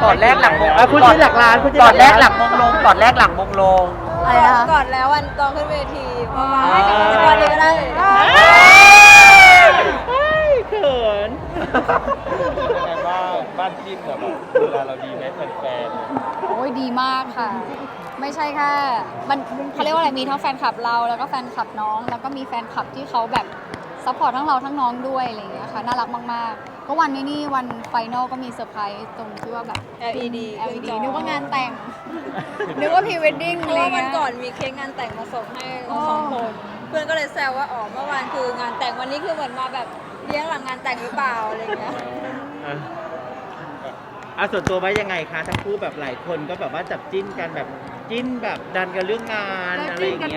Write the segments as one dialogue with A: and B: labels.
A: ก่อนแรกหลังมง
B: พูดชื่อหลักล้านพูดชื่อ
A: ก่อนแรก
B: ห
A: ห
B: ลั
A: ลั
B: ก
A: ง
B: ล้าน
A: มงลงก่อนแรกหลังมงลง
C: อะไรนะคะ
D: ก่อนแล้ววันตอนขึ้นเวทีเพราะว่า
B: อ๋อ
D: จะก่อนนี้ก็ได้
B: เขิน
E: ยังไงบ้านจิ้นแบบเวลาเราดีไหมแฟน
C: โอ้ยดีมากค่ะ ไม่ใช่แค่มันเขาเรียกว่าอะไรมีทั้งแฟนคลับเราแล้วก็แฟนคลับน้อง แล้วก็มีแฟนคลับที่เขาแบบซัพพอร์ตทั้งเราทั้งน้องด้วยอะไรอย่างเงี้ยค่ะน่ารักมากๆก็วันนี้นี่วันไฟนอลก็มีเซอร์ไพรส์ตรงที่ว่าแบบ
D: LED
C: LED นึกว่างานแต่ง นึกว่าพรีเวดดิ้ง
D: เพ
C: อะไร
D: ราะว่าวั
C: เงี้
D: น
C: ย
D: ก่อนมีเค้กงานแต่งมาส่งให้
C: อ๋อ
D: สองคน เพื่อนก็เลยแซวว่าอ๋อเมื่อวานคืองานแต่งวันนี้คือเหมือนมาแบบเลี้ยงหลังงานแต่งหรือเปล่าอะไรเงี้ย
B: ส่วนตัวไว้ยังไงคะทั้งคู่แบบหลายคนก็แบบว่าจับจิ้นกันแบบจิ้นแบบดันกันเรื่องงานอะไรอย่างเงี้ย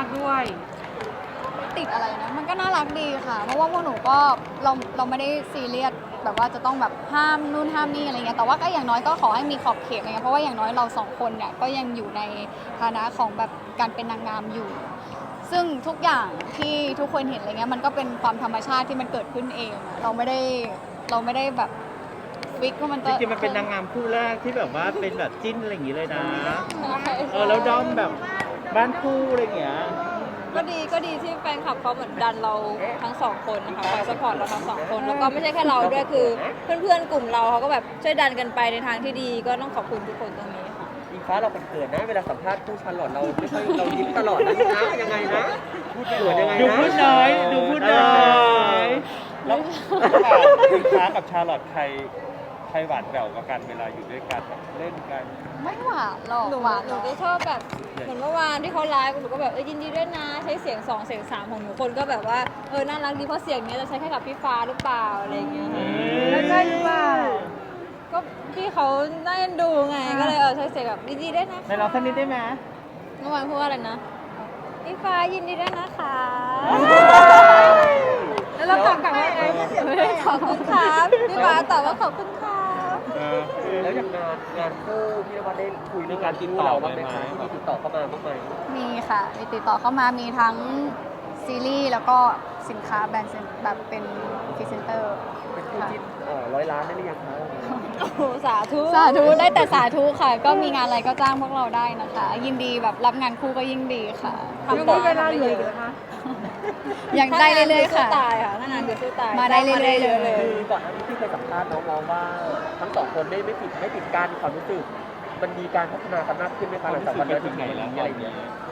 C: ติดอะไรนะมันก็น่ารักดีค่ะ เพราะว่าพวกหนูก็เราไม่ได้ซีเรียสแบบว่าจะต้องแบบห้ามนู่นห้ามนี่อะไรเงี้ยแต่ว่าก็อย่างน้อยก็ขอให้มีขอบเขตอะไรเงี้ยเพราะว่าอย่างน้อยเราสองคนเนี่ยก็ยังอยู่ในฐานะของแบบการเป็นนางงามอยู่ ซึ่งทุกอย่างที่ทุกคนเห็นอะไรเงี้ยมันก็เป็นความธรรมชาติที่มันเกิดขึ้นเองอะเราไม่ได้แบบฟิกว่ามัน
B: จ
C: จะ
B: ริงๆมันเป็นนางงามคู่แรกที่แบบว่าเป็นแบบจิ้นอะไรอย่างงี้เลยนะแล้วด้อมแบบบ้านคู่อะไรอย่างเงี้ย
D: ก็ดีที่แฟนคลับเขาเหมือนดันเราทั้งสองคนนะคะคอยสปอร์ตเราทั้งสองคนแล้วก็ไม่ใช่แค่เราด้วยคือเพื่อนๆกลุ่มเราเขาก็แบบช่วยดันกันไปในทางที่ดีก็ต้องขอบคุณทุกคนตรงนี้ค่ะ
A: อิงฟ้าเราเขินนะเวลาสัมภาษณ์ผู้ชันหลอดเราไม่ค่อยเรายิ้มตลอดนะยังไงนะพูดเขินยังไงนะ
B: ดูพูดน้อยดูพูดน้อย
E: ๆแล้วอิงฟ้ากับชาลอตใครหวานแหววกว่ากันเวลาอยู่ด้วยกันแบบเล่นกัน
C: ไม่หวานหรอก
D: หนู
C: หวาน
D: ห
C: หร
D: นู
C: อก
D: ก็ชอบแบบเหมือนเมื่อวานที่เขาไลฟ์หนูก็แบบยินดีด้วยนะใช้เสียง2เสียง3ของหนูคนก็แบบว่าน่ารักดีเพราะเสียงเนี้ยจะใช้แค่กับพี่ฟ้าหรือเปล่าอะไรอย่างเงี้ย
C: แล้วใช่หรือเปล่า
D: ก็พี่เขาน่าเอ็นดูไงก็เลยใช้เสียงแบบยินดีด้วยนะ
B: ในเราสักนิดได้ไหม
D: เมื่อวานพูดว่าอะไรนะพี่ฟ้ายินดีด้วยนะคะ แล้วเราตอบกลับว่าไงขอบคุณครับพี่ฟ้าตอบว่าขอบคุณครับ
A: แล้วอย่างงานคู่พี่นวัดได้คุยเรื่องการติดต่อบ้างไหมคะที่มีติดต่อเข้ามาบ้างไหม
C: มีค่ะมีติดต่อเข้ามามีทั้งซีรีส์แล้วก็สินค้าแบรนด์แบบเป็นพรีเซนเตอร์
A: เป็นคู่จิ้น100 ล้านได้หรือยังคะ
D: โอ้โหสาธุ
C: สาธุได้แต่สาธุค่ะ ก็มีงานอะไรก็จ้างพวกเราได้นะคะ ยินดีแบบรับงานคู่ก็ยิ่งดีค่ะ
D: ทำได้เวลาเหลือนะคะ
C: ยังได้เรื่อยๆค่ะ
D: สู้ตายค่ะถ้างานคือสู้ตาย
C: มาได้เรื่อยๆเลย
A: คือก่อนหน้านี้ที่เคยสัมภาษณ์น้องๆว่าทั้งสองคนไม่ปิดกั้นความรู้สึกมันมีการพัฒนากันมากขึ้นไหมคะหลังจากวันนั้นถึงไหนแล้วอะไรอย่างเงี้ย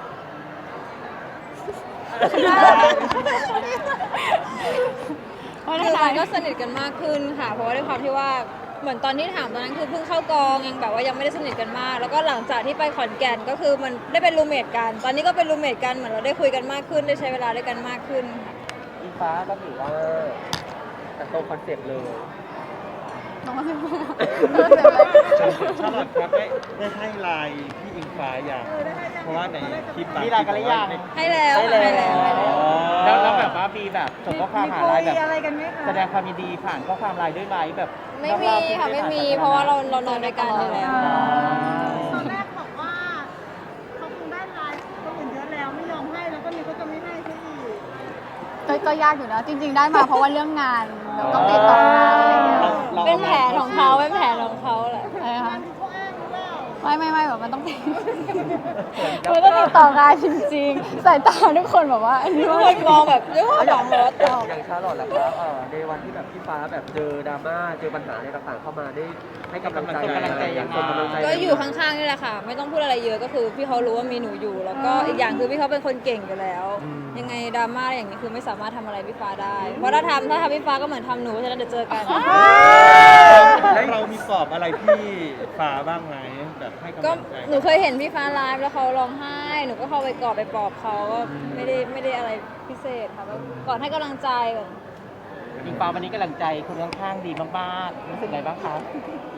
C: เพราะ
D: คือ
C: ฉะ
D: มั
C: นั้น น
D: ก็สนิทกันมากขึ้นค่ะ เพราะว่าด้วยความที่ว่าเหมือนตอนที่ถามตอนนั้นคือเพิ่งเข้ากองยังแบบว่ายังไม่ได้สนิทกันมาก แล้วก็หลังจากที่ไปขอนแก่นก็คือมันได้เป็นรูมเมทกัน ตอนนี้ก็เป็นรูมเมทกันเหมือนเราได้คุยกันมากขึ้นได้ใช้เวลาด้วยกันมากขึ้นค่ะ
A: อิงฟ้าก็ถือว่าแต่ตรงคอนเซ็ปต์เลย
C: น้องว่าเป็น
E: ชาลอตครับได้ให้ไลน์พี่อิงฟ้าอย่างเพราะว่าในคลิปบาง
B: มีไลน์กันหรือยัง
D: ให้แล้ว
A: ให้แล้ว
B: แล้วแบบว่ามีแบบส่งข้อความหาไลน์แบบแสดงความยินดีผ่านข้อความไลน์ด้วยไหมแบบ
D: ไม่มีค่ะไม่มี เพราะว่าเรานอนด้วยกันอยู่แล้ว
F: ตอนแรกบอกว่าเขาคงได้ไลฟ์คนอื่นเยอะแล้วไม่ยอมให้แล้วก็มีก็จะไม่ให้ซะอีก
C: ก็ยากอยู่นะ จริง ๆ ได้มาเพราะว่าเรื่องงานแล้วก็ติดต่องานอะไรอย่างเงี้ย
D: เป็นแผนของเขาเป็นแผนของเขาแหละ
C: อะไรนะคะ
F: ที่เขาอ้างหรือเปล่า
C: ไม่แบบมันต้องติดมันต้องติดต่องานจริงๆสายตาทุกคนแบบว่าอันนี้
D: ทุก
C: ว่า
D: คนมองแบบเรื่องของรถ
A: อย่างชาลอตแหละครับในวันที่แบบพี่ฟ้าแบบเจอดราม่าเจอปัญหาอะไรต่างๆเข้ามาได้ให้กำลังใจ
B: ส่งกำลังใจยังไง
A: ส่งกำลังใจ
D: ก็อยู่ข้างๆนี่แหละค่ะ ไม่ต้องพูดอะไรเยอะก็คือพี่เขารู้ว่ามีหนูอยู่ แล้วก็อีกอย่างคือพี่เขาเป็นคนเก่งอยู่แล้ว ยังไงดราม่าอย่างนี้คือไม่สามารถทำอะไรพี่ฟ้าได้ เพราะถ้าทำพี่ฟ้าก็เหมือนทำหนูฉะนั้นเดี๋ยวเจอกัน
E: แล้วเรามีปลอบอะไรพี่ฟ้าบ้างไหมแบบให้กำ
D: ก็
E: ลังใจ
D: หนูเคยเห็นพี่ฟ้าไลฟ์แล้วเขาร้องไห้ หนูก็เข้าไปกอดไปปลอบเขาก็ไม่ได้อะไรพิเศษค่ะก็กอดให้กำลังใจแบบ
B: อิงฟ้าวันนี้กำลังใจคนข้างๆดีมากๆรู้สึกไงบ้างครับ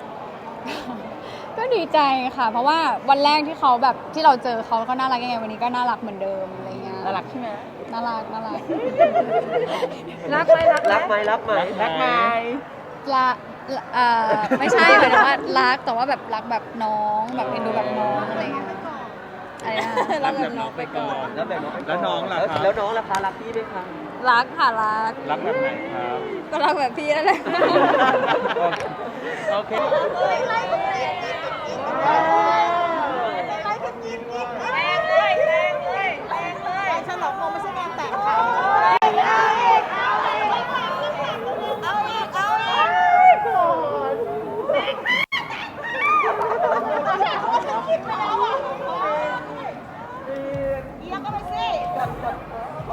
C: ก็ดีใจค่ะ เพราะว่าวันแรกที่เขาแบบที่เราเจอเขาก็น่ารักยังไงวันนี้ก็น่ารักเหมือนเดิมอะไรเงี้ย
B: น่ารักใช่ไหม
C: น่ารัก
A: รักไหมรักไหม
B: รักไหม
C: ละไม่ใช่หมายถึงว่ารักแต่ว่าแบบรักแบบน้องแบบเอ็นดูแบบน้องอะไรเงี้ยอะไรนะ
D: รักแบบน้องไปก่อน
A: แล้วแบบน้องไปก่
E: แล้วน้องล่ะครับ
A: แล้วน้องล่ะคะรักพี่ไหมคะ
D: รักค่ะรัก
E: รักแบบไหนครับ
D: ก็รักแบบพี่นั่นแหละ
E: โอเค
F: ไล่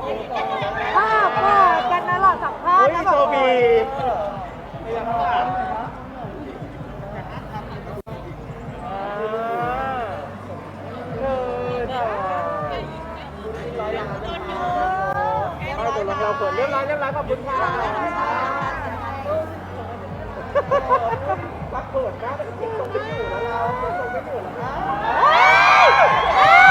F: ภาพก็กันนะหล่อสัมภาษณ์
B: เฮ้ย
F: นะ
B: โช
F: แบบ
B: บีไม่ยังค่ะเราเปิดเรียบร้อยขอบคุณค่ะรักเปิดมากแต่เก็บตรงไม่อยู่แล้วเราเก็บตรงไม่อยู่แล้ว